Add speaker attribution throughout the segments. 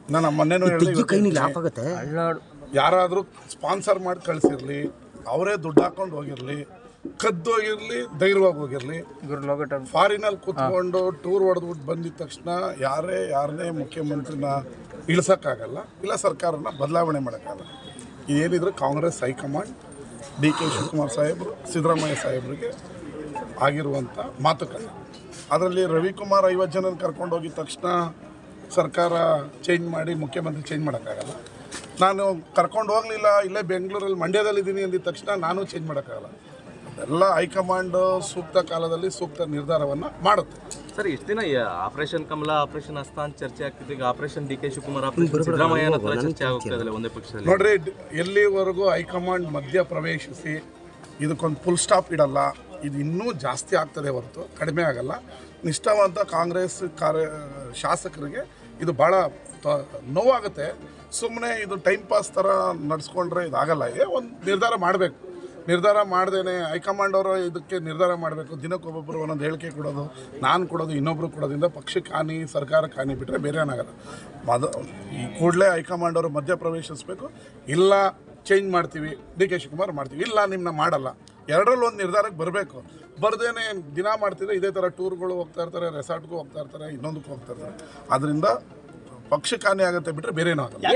Speaker 1: ನಾನು ಮೊನ್ನೆನೂ ಹೇಳಿದೆ, ಯಾರಾದರೂ ಸ್ಪಾನ್ಸರ್ ಮಾಡಿ ಕಳಿಸಿರಲಿ, ಅವರೇ ದುಡ್ಡು ಹಾಕೊಂಡು ಹೋಗಿರಲಿ, ಕದ್ದೋಗಿರಲಿ, ಧೈರ್ಯವಾಗಿ ಹೋಗಿರಲಿ, ಫಾರಿನಲ್ಲಿ ಕೂತ್ಕೊಂಡು ಟೂರ್ ಹೊಡೆದ್ಬಿಟ್ಟು ಬಂದಿದ ತಕ್ಷಣ ಯಾರನ್ನೇ ಮುಖ್ಯಮಂತ್ರಿನ ಇಳಿಸೋಕ್ಕಾಗಲ್ಲ, ಇಲ್ಲ ಸರ್ಕಾರನ ಬದಲಾವಣೆ ಮಾಡೋಕ್ಕಾಗಲ್ಲ. ಏನಿದ್ರು Congress high command D K Shivakumar ಸಾಹೇಬರು, ಸಿದ್ದರಾಮಯ್ಯ ಸಾಹೇಬರಿಗೆ ಆಗಿರುವಂಥ ಮಾತುಕತೆ. ಅದರಲ್ಲಿ ರವಿಕುಮಾರ್ 50 ಜನ ಕರ್ಕೊಂಡು ಹೋಗಿದ ತಕ್ಷಣ ಸರ್ಕಾರ ಚೇಂಜ್ ಮಾಡಿ ಮುಖ್ಯಮಂತ್ರಿ ಚೇಂಜ್ ಮಾಡೋಕ್ಕಾಗಲ್ಲ. ನಾನು ಕರ್ಕೊಂಡು ಹೋಗಲಿಲ್ಲ, ಇಲ್ಲೇ ಬೆಂಗಳೂರಲ್ಲಿ ಮಂಡ್ಯದಲ್ಲಿದ್ದೀನಿ ಅಂದಿದ ತಕ್ಷಣ ನಾನು ಚೇಂಜ್ ಮಾಡೋಕ್ಕಾಗಲ್ಲ. ಅದೆಲ್ಲ ಹೈಕಮಾಂಡ್ ಸೂಕ್ತ ಕಾಲದಲ್ಲಿ ಸೂಕ್ತ ನಿರ್ಧಾರವನ್ನು ಮಾಡುತ್ತೆ.
Speaker 2: ಸರ್, ಇಷ್ಟು ದಿನ ಆಪರೇಷನ್ ಕಮಲ, ಆಪರೇಷನ್ ಹಸ್ತ ಅಂತ ಚರ್ಚೆ ಆಗ್ತಿದೆ. ಈಗ operation D K Shivakumar, operation Siddaramaiah ಚರ್ಚೆ ಆಗ್ತಿದೆ ಒಂದೇ ಪಕ್ಷದಲ್ಲಿ.
Speaker 1: ನೋಡ್ರಿ, ಎಲ್ಲಿವರೆಗೂ ಹೈಕಮಾಂಡ್ ಮಧ್ಯ ಪ್ರವೇಶಿಸಿ ಇದಕ್ಕೊಂದು ಫುಲ್ ಸ್ಟಾಪ್ ಇಡಲ್ಲ, ಇದು ಇನ್ನೂ ಜಾಸ್ತಿ ಆಗ್ತದೆ ಹೊರತು ಕಡಿಮೆ ಆಗಲ್ಲ. ನಿಷ್ಠಾವಂತ ಕಾಂಗ್ರೆಸ್ ಶಾಸಕರಿಗೆ ಇದು ಭಾಳ ನೋವಾಗುತ್ತೆ. ಸುಮ್ಮನೆ ಇದು ಟೈಮ್ ಪಾಸ್ ಥರ ನಡೆಸ್ಕೊಂಡ್ರೆ ಇದಾಗಲ್ಲ. ಒಂದು ನಿರ್ಧಾರ ಮಾಡಬೇಕು. ನಿರ್ಧಾರ ಮಾಡ್ದೇನೆ ಹೈಕಮಾಂಡ್ ಅವರು ಇದಕ್ಕೆ ನಿರ್ಧಾರ ಮಾಡಬೇಕು. ದಿನಕ್ಕೊಬ್ಬೊಬ್ಬರು ಒಂದೊಂದು ಹೇಳಿಕೆ ಕೊಡೋದು, ನಾನು ಕೊಡೋದು, ಇನ್ನೊಬ್ಬರು ಕೊಡೋದ್ರಿಂದ ಪಕ್ಷಕ್ಕೆ ಹಾನಿ, ಸರ್ಕಾರಕ್ಕೆ ಹಾನಿ ಬಿಟ್ಟರೆ ಬೇರೆ ಏನಾಗಲ್ಲ. ಈ ಕೂಡಲೇ ಹೈಕಮಾಂಡ್ ಅವರು ಮಧ್ಯ ಪ್ರವೇಶಿಸಬೇಕು. ಇಲ್ಲ ಚೇಂಜ್ ಮಾಡ್ತೀವಿ, ಡಿ ಕೆ ಶಿವಕುಮಾರ್ ಮಾಡ್ತೀವಿ, ಇಲ್ಲ ನಿಮ್ಮನ್ನ ಮಾಡಲ್ಲ, ಎರಡರಲ್ಲಿ ಒಂದು ನಿರ್ಧಾರಕ್ಕೆ ಬರಬೇಕು. ಬರ್ದೇನೆ ದಿನ ಮಾಡ್ತಿದ್ರೆ ಇದೇ ಥರ ಟೂರ್ಗಳು ಹೋಗ್ತಾ ಇರ್ತಾರೆ, ರೆಸಾರ್ಟ್ಗೂ ಹೋಗ್ತಾ ಇರ್ತಾರೆ, ಇನ್ನೊಂದಕ್ಕೂ ಹೋಗ್ತಾ ಇರ್ತಾರೆ. ಅದರಿಂದ ಪಕ್ಷಕ್ಕೆ ಹಾನಿ ಆಗುತ್ತೆ ಬಿಟ್ಟರೆ ಬೇರೆ ಏನೂ ಆಗಲ್ಲ.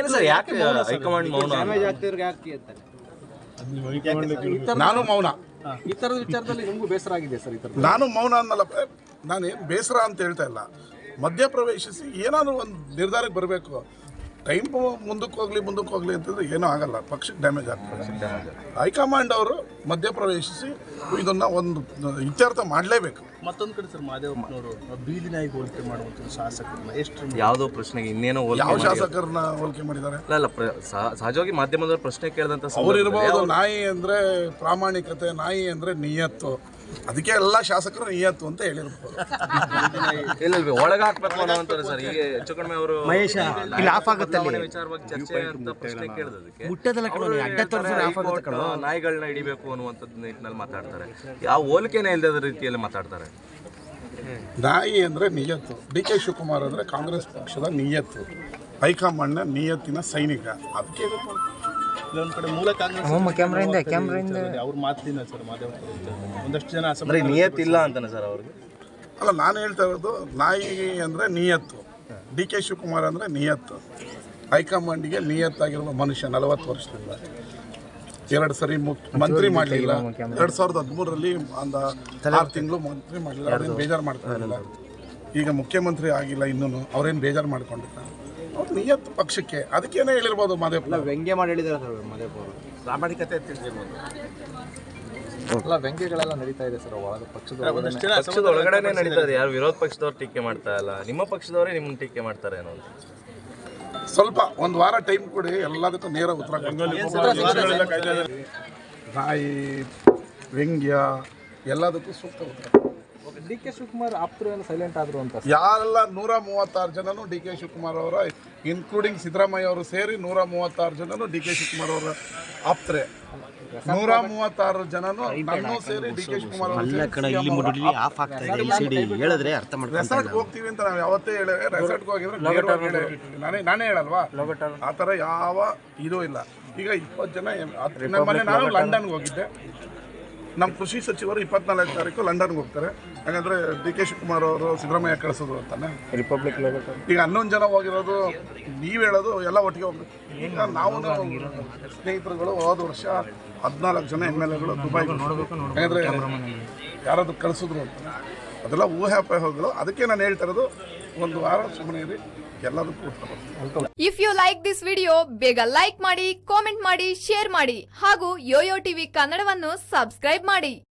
Speaker 1: ನಾನು ಮೌನ.
Speaker 3: ಈ ಥರದ ವಿಚಾರದಲ್ಲಿ ನಿಮಗೂ ಬೇಸರ ಆಗಿದೆ ಸರ್?
Speaker 1: ನಾನು ಮೌನ ಅನ್ನಲ್ಲ, ನಾನೇನು ಬೇಸರ ಅಂತ ಹೇಳ್ತಾ ಇಲ್ಲ. ಮಧ್ಯಪ್ರವೇಶಿಸಿ ಏನಾದರೂ ಒಂದು ನಿರ್ಧಾರಕ್ಕೆ ಬರಬೇಕು. ಟೈಮ್ ಮುಂದಕ್ಕೆ ಹೋಗಲಿ ಅಂತಂದರೆ ಏನೂ ಆಗಲ್ಲ, ಪಕ್ಷಕ್ಕೆ ಡ್ಯಾಮೇಜ್ ಆಗ್ತದೆ. ಹೈಕಮಾಂಡ್ ಅವರು ಮಧ್ಯಪ್ರವೇಶಿಸಿ ಇದನ್ನು ಒಂದು ಇತ್ಯರ್ಥ ಮಾಡಲೇಬೇಕು.
Speaker 3: ಮತ್ತೊಂದು ಕಡೆ ಸರ್, ಮಹದೇವಪ್ಪನವರು ಬೀದಿ ನಾಯಿಗೆ ಹೋಲಿಕೆ ಮಾಡುವಂಥ ಶಾಸಕರನ್ನ ಎಷ್ಟು
Speaker 2: ಯಾವುದೋ ಪ್ರಶ್ನೆಗೆ ಇನ್ನೇನೋ
Speaker 1: ಯಾವ ಶಾಸಕರನ್ನ ಹೋಲಿಕೆ ಮಾಡಿದ್ದಾರೆ?
Speaker 2: ಅಲ್ಲ, ಸಹಜವಾಗಿ ಮಾಧ್ಯಮದ ಪ್ರಶ್ನೆ ಕೇಳಿದಂಥ
Speaker 1: ಅವ್ರು ಇರ್ಬೋದು. ನಾಯಿ ಅಂದರೆ ಪ್ರಾಮಾಣಿಕತೆ, ನಾಯಿ ಅಂದರೆ ನಿಯತ್ತು, ಅದಕ್ಕೆ ಎಲ್ಲ ಶಾಸಕರು ನಿಯತ್ತು ಅಂತ ಹೇಳಿರ್ಬೋದು.
Speaker 2: ಇಲ್ಲ, ಒಳಗೆ ಹಾಕ್ಬೇಕು ಅನ್ನೋವಂಥದ್ದು ಸರ್. ಈಗ ಹೆಚ್ಚು ಕಡಿಮೆ ಅವರು ವಿಚಾರವಾಗಿ ಚರ್ಚೆ ಅಂತ ಪ್ರಶ್ನೆ ಕೇಳಿದಕ್ಕೆ ನಾಯಿಗಳನ್ನ ಹಿಡಿಬೇಕು ಅನ್ನುವಂಥದ್ದು ನಿಟ್ಟಿನಲ್ಲಿ ಮಾತಾಡ್ತಾರೆ. ಯಾವ ಹೋಲಿಕೆನೇ ಇಲ್ಲದ ರೀತಿಯಲ್ಲಿ ಮಾತಾಡ್ತಾರೆ.
Speaker 1: ನಾಯಿ ಅಂದರೆ ನಿಯತ್ತು, ಡಿ ಕೆ ಶಿವಕುಮಾರ್ ಅಂದರೆ ಕಾಂಗ್ರೆಸ್ ಪಕ್ಷದ ನಿಯತ್ತು, ಹೈಕಮಾಂಡ್ನ ನಿಯತ್ತಿನ ಸೈನಿಕ. ಅದಕ್ಕೆ
Speaker 3: ಒಂದು ಕಡೆ ಮೂಲ ಕಾಂಗ್ರೆಸ್ ಅವ್ರ ಮಾತಿನ ಸರ್, ಒಂದಷ್ಟು ಜನ
Speaker 2: ನಿಯತ್ತಿಲ್ಲ ಅಂತಾನೆ ಸರ್ ಅವ್ರಿಗೆ.
Speaker 1: ಅಲ್ಲ, ನಾನು ಹೇಳ್ತಾ ಇರೋದು ನಾಯಿ ಅಂದರೆ ನಿಯತ್ತು, ಡಿ ಕೆ ಶಿವಕುಮಾರ್ ಅಂದರೆ ನಿಯತ್ತು. ಹೈಕಮಾಂಡಿಗೆ ನಿಯತ್ತಾಗಿರುವ ಮನುಷ್ಯ 40 ವರ್ಷದಿಂದ 2 ಸರಿ ಮಂತ್ರಿ ಮಾಡಲಿಲ್ಲ. 2013ರಲ್ಲಿ ಒಂದು 6 ತಿಂಗಳು ಮಂತ್ರಿ ಮಾಡಲಿಲ್ಲ, ಅವ್ರೇನು ಬೇಜಾರು ಮಾಡ್ತಾ ಇರಲಿಲ್ಲ. ಈಗ ಮುಖ್ಯಮಂತ್ರಿ ಆಗಿಲ್ಲ ಇನ್ನೂ, ಅವ್ರೇನು ಬೇಜಾರು ಮಾಡ್ಕೊಂಡಿಲ್ಲ. ಅವ್ರು ನಿಯತ್ತು ಪಕ್ಷಕ್ಕೆ, ಅದಕ್ಕೇನೆ ಹೇಳಿರ್ಬೋದು. ಮಾದೇವಪ್ಪ
Speaker 3: ವ್ಯಂಗ್ಯ ಮಾಡಿ ಹೇಳಿದ್ದಾರೆ ಸರ್. ಮಾದೇವಪ್ಪ ಅವರು ಪ್ರಾಮಾಣಿಕತೆ ತಿಳಿದಿರ್ಬೋದು. ಎಲ್ಲ ವ್ಯಂಗ್ಯಗಳೆಲ್ಲ ನಡೀತಾ ಇದೆ ಸರ್ ಒಳಗೆ
Speaker 2: ಪಕ್ಷದ ಒಳಗಡೆ ನಡೀತಾ ಇದೆ. ಯಾರು ವಿರೋಧ ಪಕ್ಷದವ್ರು ಟೀಕೆ ಮಾಡ್ತಾ ಇಲ್ಲ, ನಿಮ್ಮ ಪಕ್ಷದವರೇ ನಿಮ್ಮನ್ನು ಟೀಕೆ ಮಾಡ್ತಾರೆ ಅನ್ನೋ.
Speaker 1: ಸ್ವಲ್ಪ ಒಂದು ವಾರ ಟೈಮ್ ಕೊಡಿ, ಎಲ್ಲದಕ್ಕೂ ನೇರ ಉತ್ತರ. ನಾಯಿ, ವ್ಯಂಗ್ಯ ಎಲ್ಲದಕ್ಕೂ ಸೂಕ್ತ ಉತ್ತರ.
Speaker 3: ಡಿ ಕೆ ಶಿವಕುಮಾರ್ ಆಪ್ತರು ಏನು ಸೈಲೆಂಟ್ ಆದರು ಅಂತ?
Speaker 1: ಯಾರೆಲ್ಲ 136 ಜನನು ಡಿ ಕೆ ಶಿವಕುಮಾರ್ ಅವರ, ಇನ್ಕ್ಲೂಡಿಂಗ್ ಸಿದ್ದರಾಮಯ್ಯ ಅವರು ಸೇರಿ 136 ಜನನು ಡಿ ಕೆ ಶಿವಕುಮಾರ್ ಅವರ ಆಪ್ತರೆ. 136 ಜನನು ನನ್ನೂ ಸೇರಿ ಡಿ ಕೆ ಶಿವಕುಮಾರ್ ರೆಸಾರ್ಟ್ಗೆ ಹೋಗ್ತೀವಿ ಅಂತ ನಾವು ಯಾವತ್ತೇ ಹೇಳಿದ್ರೆ, ರೆಸಾರ್ಟ್ಗೆ ಹೋಗಿದ್ರೆ ನಾನೇ ಹೇಳಲ್ವಾ? ಆ ಥರ ಯಾವ ಇದೂ ಇಲ್ಲ. ಈಗ 20 ಜನ ಮೊನ್ನೆ ನಾನು ಲಂಡನ್ಗೆ ಹೋಗಿದ್ದೆ. ನಮ್ಮ ಕೃಷಿ ಸಚಿವರು 24ನೇ ತಾರೀಕು ಲಂಡನ್ಗೆ ಹೋಗ್ತಾರೆ. ಹಾಗಾದರೆ ಡಿ ಕೆ ಶಿವಕುಮಾರ್ ಅವರು ಸಿದ್ದರಾಮಯ್ಯ ಕಳಿಸೋದು ಅಂತಾನೆ ರಿಪಬ್ಲಿಕ್. ಈಗ 11 ಜನ ಹೋಗಿರೋದು, ನೀವು ಹೇಳೋದು ಎಲ್ಲ ಒಟ್ಟಿಗೆ ಹೋಗ್ಬೇಕು. ಈಗ ನಾವು ಸ್ನೇಹಿತರುಗಳು ಹೋದ ವರ್ಷ 14 ಜನ MLAಗಳು ದುಬೈಗೆ ನೋಡಬೇಕು. ಹಾಗಾದರೆ ಯಾರಾದರೂ ಕಳಿಸಿದ್ರು ಅಂತ, ಅದೆಲ್ಲ ಊಹಾಪೋಹಗಳು. ಅದಕ್ಕೆ ನಾನು ಹೇಳ್ತಾ ಇರೋದು, ಒಂದು ವಾರ ಸುಮ್ಮನೆ ಇರಿ, ಎಲ್ಲದಕ್ಕೂ ಉತ್ತರ.
Speaker 4: If you like this video, ಬೇಗ ಲೈಕ್ ಮಾಡಿ, ಕಾಮೆಂಟ್ ಮಾಡಿ, ಶೇರ್ ಮಾಡಿ ಹಾಗೂ ಯೋಯೋ ಟಿವಿ ಕನ್ನಡವನ್ನು ಸಬ್ಸ್ಕ್ರೈಬ್ ಮಾಡಿ.